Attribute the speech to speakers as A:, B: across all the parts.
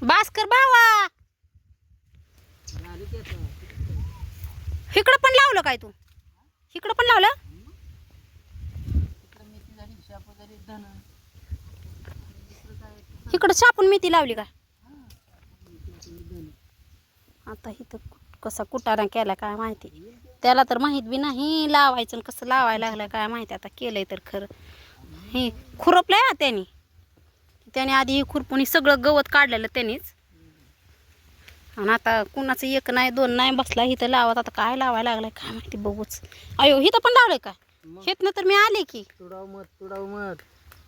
A: भास्कर भावा इकडं पण लावलं काय तू? इकडं पण लावलं? इकडं छापून मेथी लावली का? आता इथं कसा कुटाणा केला काय माहिती. त्याला तर माहित बी नाही लावायचं आणि कसं लावायला लागलं काय माहिती. आता केलंय तर खरं. हे खुरपलंय ना त्याने आधी हे खुरपून सगळं गवत काढलेलं त्यानेच. आणि आता कुणाचं एक नाही दोन नाही बसला इथं लावत. आता काय लावायला लागलाय काय माहिती बघूच. अयो इथं पण लावलंय का? हेतनं तर मी आले की.
B: तुडाव मत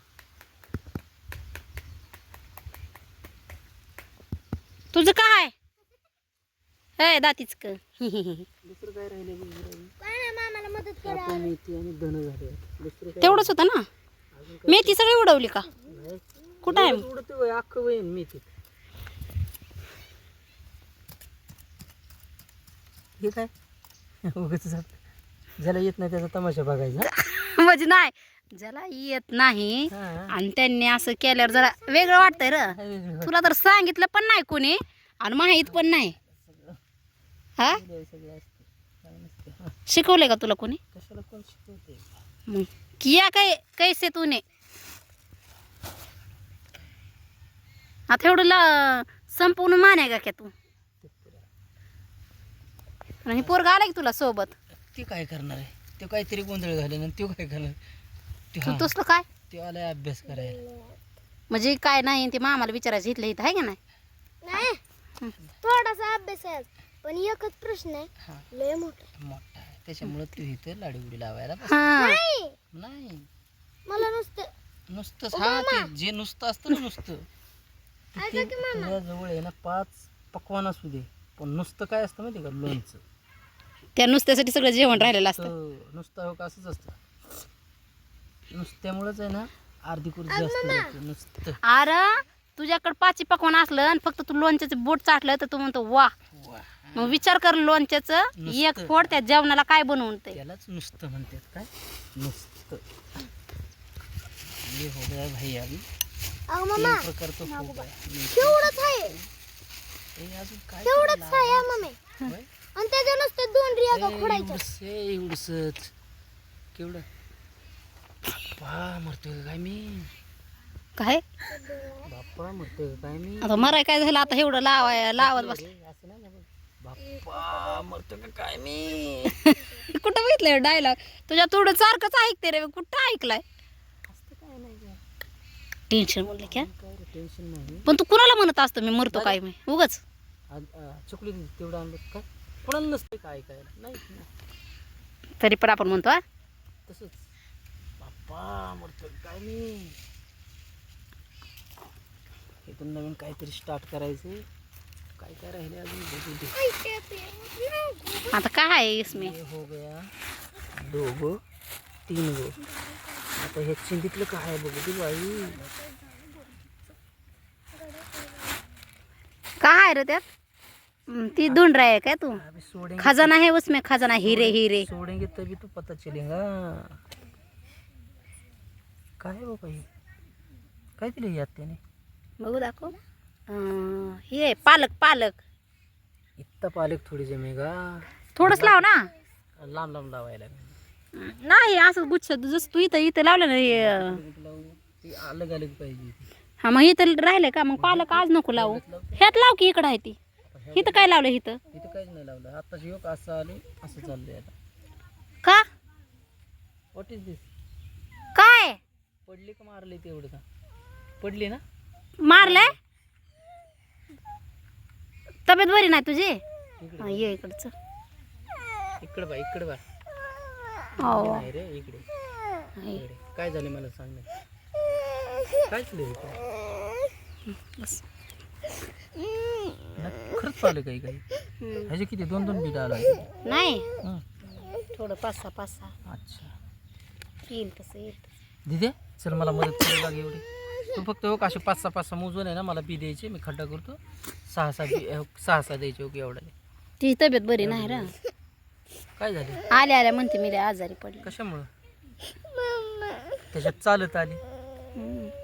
A: तुझं काय हे दातीच क
B: दुसरं काय राहिले मामाला मदत करा. मेथी आणि धन झाले. दुसरं काय
A: तेवढंच होतं ना. मेथी सगळी उडवली का? कुठं आहे
B: उडते अख्खं वहीन मेथी. हे काय उगाच ज्याला येत नाही त्याचा तमाशा बघायचा.
A: म्हणजे नाही ज्याला येत नाही आणि त्यांनी असं केल्यावर जरा वेगळं वाटतंय र. तुला तर सांगितलं पण नाही कोणी आणि माहित पण नाही. हा शिकवलंय का तुला कोणी?
B: कशाला कोण शिकवते?
A: मग किया काय कैसे तूने आता एवढं संपूर्ण माने का तू? आणि पोरगा आला की तुला सोबत?
B: ते काय करणार आहे? ते काहीतरी गोंधळ घालेल आणि तो काय करणार?
A: तसलं काय?
B: ते आलाय अभ्यास करायला.
A: म्हणजे काय नाही ते मामाला विचारायचं इथलं इथं आहे का नाही?
C: थोडासा अभ्यास आहे पण एकच प्रश्न आहे लय मोठा
B: आहे त्याच्यामुळे तू इथं लाडीगुडी लावायला नाही.
C: मला
B: नुसतंच हा ते जे नुसतं असतं ना नुसतं तुझ्या जवळ आहे ना 5 पकवान असू दे पण नुसतं काय असतं माहिती का? लोणचं.
A: त्या नुसत्यासाठी सगळं जेवण राहिलेलं असतं.
B: नुसतं हो का असंच असतं. नुसत्यामुळेच आहे ना अर्धी कुर्ती जास्त नुसतं.
A: अरे तुझ्याकडे 5 पकवान असलं आणि फक्त तू लोणच्याचं बोट चाटलं तर तू म्हणतो वा. मग विचार कर लोणच्याचं एक फोड त्या जेवणाला काय बनवून ते
B: त्यालाच नुसतं म्हणतात. काय नुसतं? ये हो गया भाई अभी
C: मम्मा
B: प्रकार तो हो गया.
C: तेवढंच आहे
B: अजून काय
C: तेवढंच आहे मम्मी. आणि त्याच्या नुसतं 2 रिया खोडायच्या.
B: एवढंच केवढं बाप्पा मरतोय काय मी?
A: काय
B: बाप्पा मरतोय काय मी?
A: आता मराय काय झालं आता एवढं लावत बसलं.
B: असं नाही ना बाप्पा मरतोय का काय मी?
A: कुठं बघितलंय डायलॉग तुझ्या थोडं सारखंच ऐकते रे. कुठं ऐकलाय? टेन्शन म्हणलं क्या
B: टेन्शन नाही
A: पण तू कुणाला म्हणत असतो मी मरतो काय मी उगाच?
B: चुकली तेवढं आणलं काय कोणाला नसते काय नाही
A: तरी पण आपण म्हणतो
B: तसंच बाप्पा मरतोय काय मी? इथून नवीन काहीतरी स्टार्ट करायचं. काय काय राहिले अजून बघू दे.
A: आता काय आहे इसमें?
B: हो गया 2 गो 3 गो. आता हे चिंतीतलं काय आहे बघू दे बाई.
A: काय आहे रे त्यात? ती ढूंढ रहा है क्या तू?
B: सोडेंगे
A: खजाना है उसमें खजाना हीरे हीरे.
B: सोडेंगे तभी तो पता चलेगा. काय आहे बाबा हे? काय दिलं यात त्याने?
A: बघू दाखव. हे पालक पालक
B: इतका पालक थोडी जमेगा.
A: थोडंच लाव ना.
B: लांब लांब लावायला
A: नाही असं गुच्छ जसं तू इथं इथं लावलं ना
B: ती अलग अलग पाहिजे.
A: हा मग इथं राहिलंय का? मग पालक आज नको लावू. ह्यात लाव की इकडं आहे ती. इथं काय लावलं इथं?
B: इथं काहीच नाही लावलं. आताच योग असं आले असं चाललंय आता.
A: का
B: व्हॉट इज दिस?
A: काय
B: पडली का मारली ते एवढं का? पडली ना?
A: मारलंय? तब्येत बरी नाही तुझी? ये इकडचं.
B: इकडं बा इकडं बा.
A: हो
B: नाही रे इकडे. इकडे. काय झालं मला सांग ना. काय झालं
A: बस.
B: खरंच पाहिलं काही काही ह्याचे किती 2-2 बीट आला
A: नाही थोडं 5-6
B: अच्छा
A: येईल तसं येईल.
B: दिदे चल मला मदत करायला लाग एवढी. तू फक्त हो का असे 5-6 मोजून आहे ना मला बी द्यायचे. मी खड्डा करतो. 6-6 द्यायचे ओके एवढा.
A: तिची तब्येत बरी नाही रा.
B: काय झाले?
A: आल्या आल्या म्हणते मी लय आजारी पडली.
B: कशामुळं? त्याच्यात चालत आली.